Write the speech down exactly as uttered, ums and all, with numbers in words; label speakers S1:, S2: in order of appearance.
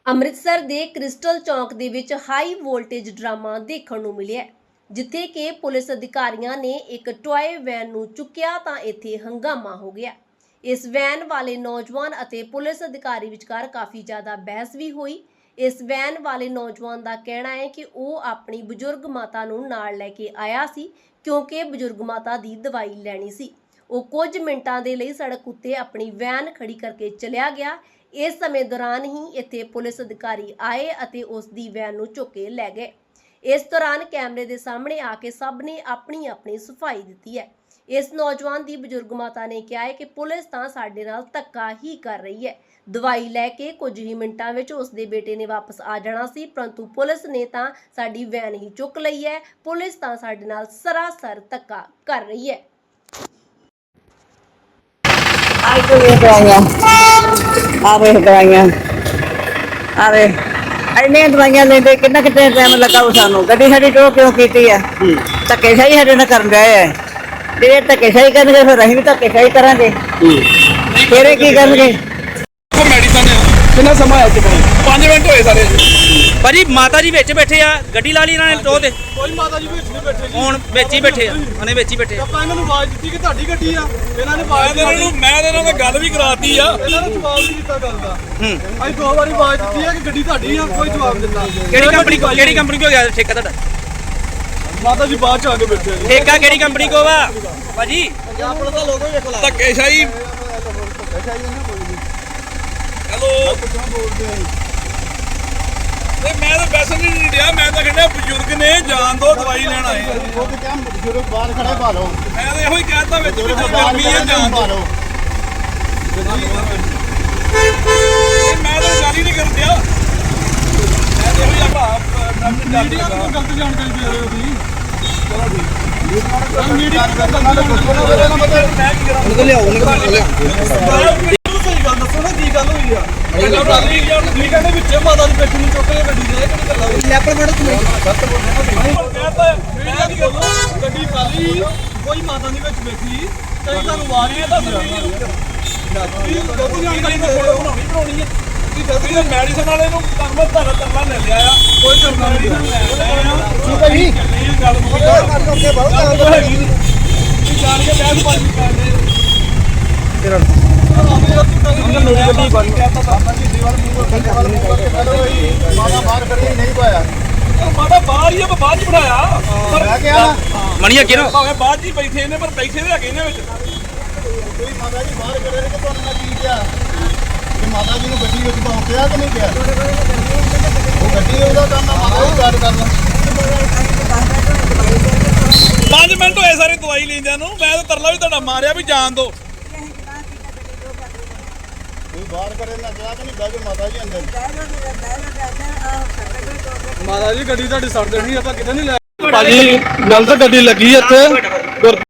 S1: ਅੰਮ੍ਰਿਤਸਰ ਦੇ ਕ੍ਰਿਸਟਲ ਚੌਂਕ ਦੇ ਵਿੱਚ ਹਾਈ ਵੋਲਟੇਜ ਡਰਾਮਾ ਦੇਖਣ ਨੂੰ ਮਿਲਿਆ, ਜਿੱਥੇ ਕਿ ਪੁਲਿਸ ਅਧਿਕਾਰੀਆਂ ਨੇ ਇੱਕ ਟੌਏ ਵੈਨ ਨੂੰ ਚੁੱਕਿਆ ਤਾਂ ਇੱਥੇ ਹੰਗਾਮਾ ਹੋ ਗਿਆ। ਇਸ ਵੈਨ ਵਾਲੇ ਨੌਜਵਾਨ ਅਤੇ ਪੁਲਿਸ ਅਧਿਕਾਰੀ ਵਿਚਕਾਰ ਕਾਫੀ ਜ਼ਿਆਦਾ ਬਹਿਸ ਵੀ ਹੋਈ। ਇਸ ਵੈਨ ਵਾਲੇ ਨੌਜਵਾਨ ਦਾ ਕਹਿਣਾ ਹੈ ਕਿ ਉਹ ਆਪਣੀ ਬਜ਼ੁਰਗ ਮਾਤਾ ਨੂੰ ਨਾਲ ਲੈ ਕੇ ਆਇਆ ਸੀ, ਕਿਉਂਕਿ ਬਜ਼ੁਰਗ ਮਾਤਾ ਦੀ ਦਵਾਈ ਲੈਣੀ ਸੀ। ਉਹ ਕੁਝ ਮਿੰਟਾਂ ਦੇ ਲਈ ਸੜਕ ਉੱਤੇ ਆਪਣੀ ਵੈਨ ਖੜੀ ਕਰਕੇ ਚਲਿਆ ਗਿਆ। ਇਸ ਸਮੇਂ ਦੌਰਾਨ ਹੀ ਇੱਥੇ ਪੁਲਿਸ ਅਧਿਕਾਰੀ ਆਏ ਅਤੇ ਉਸ ਦੀ ਵੈਨ ਨੂੰ ਚੁੱਕ ਕੇ ਲੈ ਗਏ। ਇਸ ਦੌਰਾਨ ਕੈਮਰੇ ਦੇ ਸਾਹਮਣੇ ਆ ਕੇ ਸਭ ਨੇ ਆਪਣੀ ਆਪਣੀ ਸਫਾਈ ਦਿੱਤੀ ਹੈ। ਇਸ ਨੌਜਵਾਨ ਦੀ ਬਜ਼ੁਰਗ ਮਾਤਾ ਨੇ ਕਿਹਾ ਹੈ ਕਿ ਪੁਲਿਸ ਤਾਂ ਸਾਡੇ ਨਾਲ ਧੱਕਾ ਹੀ ਕਰ ਰਹੀ ਹੈ। ਦਵਾਈ ਲੈ ਕੇ ਕੁਝ ਹੀ ਮਿੰਟਾਂ ਵਿੱਚ ਉਸ ਦੇ ਬੇਟੇ ਨੇ ਵਾਪਸ ਆ ਜਾਣਾ ਸੀ, ਪਰੰਤੂ ਪੁਲਿਸ ਨੇ ਤਾਂ ਸਾਡੀ ਵੈਨ ਹੀ ਚੁੱਕ ਲਈ ਹੈ। ਪੁਲਿਸ ਤਾਂ ਸਾਡੇ ਨਾਲ ਸਰਾਸਰ ਧੱਕਾ ਕਰ ਰਹੀ ਹੈ।
S2: आवे दवाइयां आवे इन्ने दवाइयां लेंदे कितना कितने टाइम लगा सानू गड्डी साडी टो क्यों कीती है धक्के सही साडे नाल करन रहे है जे धक्के सही करनगे फिर असीं भी धक्के सही करांगे फिर की करनगे
S3: मेडिसिन कितना समय है पांच मिनट होए सारे
S4: भाजी माता जी विच बैठे आ गड्डी ला ली इन्होंने टो दे
S3: कोई माता जी विच नहीं बैठे जी
S4: हुण विच ही बैठे आ उन्हें विच ही बैठे
S3: ਆਪਾਂ ਇਹਨਾਂ ਨੂੰ ਆਵਾਜ਼ ਦਿੱਤੀ ਕਿ ਤੁਹਾਡੀ ਗੱਡੀ ਆ ਇਹਨਾਂ ਨੇ ਆਵਾਜ਼ ਇਹਨਾਂ ਨੂੰ ਮੈਂ ਇਹਨਾਂ ਨਾਲ ਗੱਲ ਵੀ ਕਰਾਤੀ ਆ ਇਹਨਾਂ ਨੇ ਜਵਾਬ ਨਹੀਂ ਦਿੱਤਾ ਗੱਲ ਦਾ
S4: ਹੂੰ
S3: ਅਸੀਂ ਦੋ ਵਾਰੀ ਆਵਾਜ਼ ਦਿੱਤੀ ਆ ਕਿ ਗੱਡੀ ਤੁਹਾਡੀ ਆ ਕੋਈ ਜਵਾਬ ਦਿੱਤਾ
S4: ਕਿਹੜੀ ਕੰਪਨੀ ਕੋ ਕਿਹੜੀ ਕੰਪਨੀ ਕੋ ਗਿਆ ਠੇਕਾ ਤੁਹਾਡਾ
S3: ਮਾਤਾ ਜੀ ਬਾਅਦ ਚ ਆ ਕੇ ਬੈਠੇ ਆ
S4: ਠੇਕਾ ਕਿਹੜੀ ਕੰਪਨੀ ਕੋ ਵਾ ਭਾਜੀ
S3: ਆਪਣਾ ਤਾਂ ਲੋਗੋ ਵੇਖ ਲਾ ਧੱਕੇ ਸ਼ਾਹੀ ਹੈਲੋ ਬੋਲਦੇ ਆ ਤੇ ਮੈਂ ਤਾਂ ਵੈਸੇ ਨਹੀਂ ਡਿਆ ਮੈਂ ਤਾਂ ਕਹਿੰਦਾ ਬਜ਼ੁਰਗ ਨੇ ਜਾਨ ਦੋ ਦਵਾਈ ਲੈਣ ਆਏ ਉਹ ਤੇ ਕਿਹਾ ਬਜ਼ੁਰਗ ਬਾਹਰ ਖੜੇ ਪਾ ਲਓ ਮੈਂ ਤਾਂ ਇਹੋ ਹੀ ਕਹਿਤਾ ਵਿੱਚ ਵੀ ਗਰਮੀ ਹੈ ਜਾਨ ਪਾ ਲਓ ਮੈਂ ਤਾਂ ਗੱਲ ਹੀ ਨਹੀਂ ਕਰਨ ਡਿਆ ਮੈਂ ਤਾਂ ਇਹੋ ਹੀ ਆਪਾਂ ਮੀਡੀਆ ਨੂੰ ਗਲਤ ਜਾਣਕਾਰੀ ਦੇ ਰਹੇ ਹੋ ਤੁਸੀਂ ਚਲੋ ਠੀਕ ਮੀਡੀਆ ਨੂੰ ਗਲਤ ਜਾਣਕਾਰੀ ਮੈਂ ਕੀ ਕਰਾਂ ਉਹਨੂੰ ਲਿਆਓ ਉਹਨੂੰ ਲਿਆਓ ਗੱਲ ਦੱਸੋ ਨਾ ਕੀ ਗੱਲ ਹੋਈ ਆ ਤੁਸੀਂ ਕਹਿੰਦੇ ਵਿੱਚ ਮਾਤਾ ਦੀ ਬੈਠੀ ਨੂੰ ਚੁੱਕ ਕੇ ਗੱਡੀ ਦੇ ਕਿਹੜੀ ਗੱਲ ਹੋਈ ਲੈਪਰ ਮੈਡਮ ਤੁਸੀਂ ਗਲਤ ਬੋਲ ਰਹੇ ਹੋ ਕਹਿੰਦਾ ਕੀ ਗੱਲ ਗੱਡੀ ਖਾਲੀ ਕੋਈ ਮਾਤਾ ਦੀ ਵਿੱਚ ਬੈਠੀ ਤੇ ਤੁਹਾਨੂੰ ਆਵਾਜ਼ ਨਹੀਂ ਦੱਸ ਰਹੀ ਕੋਈ ਜਾਣਕਾਰੀ ਮੈਂ ਫੋਟੋ ਬਣਾਉਣੀ ਬਣਾਉਣੀ ਹੈ ਤੁਸੀਂ ਦੱਸ ਰਹੇ ਮੈਡੀਸਨ ਵਾਲੇ ਨੂੰ ਤੁਹਾਨੂੰ ਮੈਂ ਧਾਰਾ ਧਰਨਾ ਲੈ ਲਿਆ ਆ ਕੋਈ ਧਰਨਾ ਨਹੀਂ ਠੀਕ ਹੈ ਜੀ ਇਹ ਗੱਲ ਮੁੱਕ ਗਈ ਬਹੁਤ ਹੈਗੀ ਤੁਸੀਂ ਜਾਣ ਕੇ ਬਹਿਸ ਬਾਜੀ ਕਰਦੇ ਤੇਰਾ ਮਾਤਾ ਬਾਹਰ ਹੀ ਬਾਹਰ ਹੀ ਬਿਠਾਇਆ
S4: ਮਣੀ ਅੱਗੇ ਨਾ
S3: ਭਾਵੇਂ ਬਾਹਰ ਜੀ ਬੈਠੇ ਨੇ ਪਰ ਬੈਠੇ ਦੇ ਹੈਗੇ ਨੇ ਵਿੱਚ ਕੋਈ ਮਾਤਾ ਜੀ ਬਾਹਰ ਖੜੇ ਨੇ ਕਿ ਤੁਹਾਨੂੰ ਨਾ ਕੀ ਕਿਹਾ ਕਿ ਮਾਤਾ ਜੀ ਨੂੰ ਗੱਡੀ ਵਿੱਚ ਪਾਉਂਦਿਆ ਕਿ ਨਹੀਂ ਕਿਹਾ ਉਹ ਗੱਡੀ ਉਹਦਾ ਕੰਮ ਆ ਮਾਤਾ ਜੀ ਗੱਲ ਕਰਨਾ ਪੰਜ ਮਿੰਟ ਹੋਏ ਸਾਰੇ ਦਵਾਈ ਲੈਂਦਿਆਂ ਨੂੰ ਮੈਂ ਤਾਂ ਤਰਲਾ ਵੀ ਤੁਹਾਡਾ ਮਾਰਿਆ ਵੀ ਜਾਣ ਦੋ ਕੋਈ ਬਾਹਰ ਕਰੇ ਨਾ ਜਾ ਕਿ ਨਹੀਂ ਬਹਿ ਜਾ ਮਾਤਾ ਜੀ ਅੰਦਰ ਮਾਤਾ ਜੀ ਗੱਡੀ ਤੁਹਾਡੀ ਸੜ ਦੇਣੀ ਆਪਾਂ ਕਿਤੇ ਨਹੀਂ ਲੈ ਭਾਜੀ ਗਲਤ ਗੱਡੀ ਲੱਗੀ ਇੱਥੇ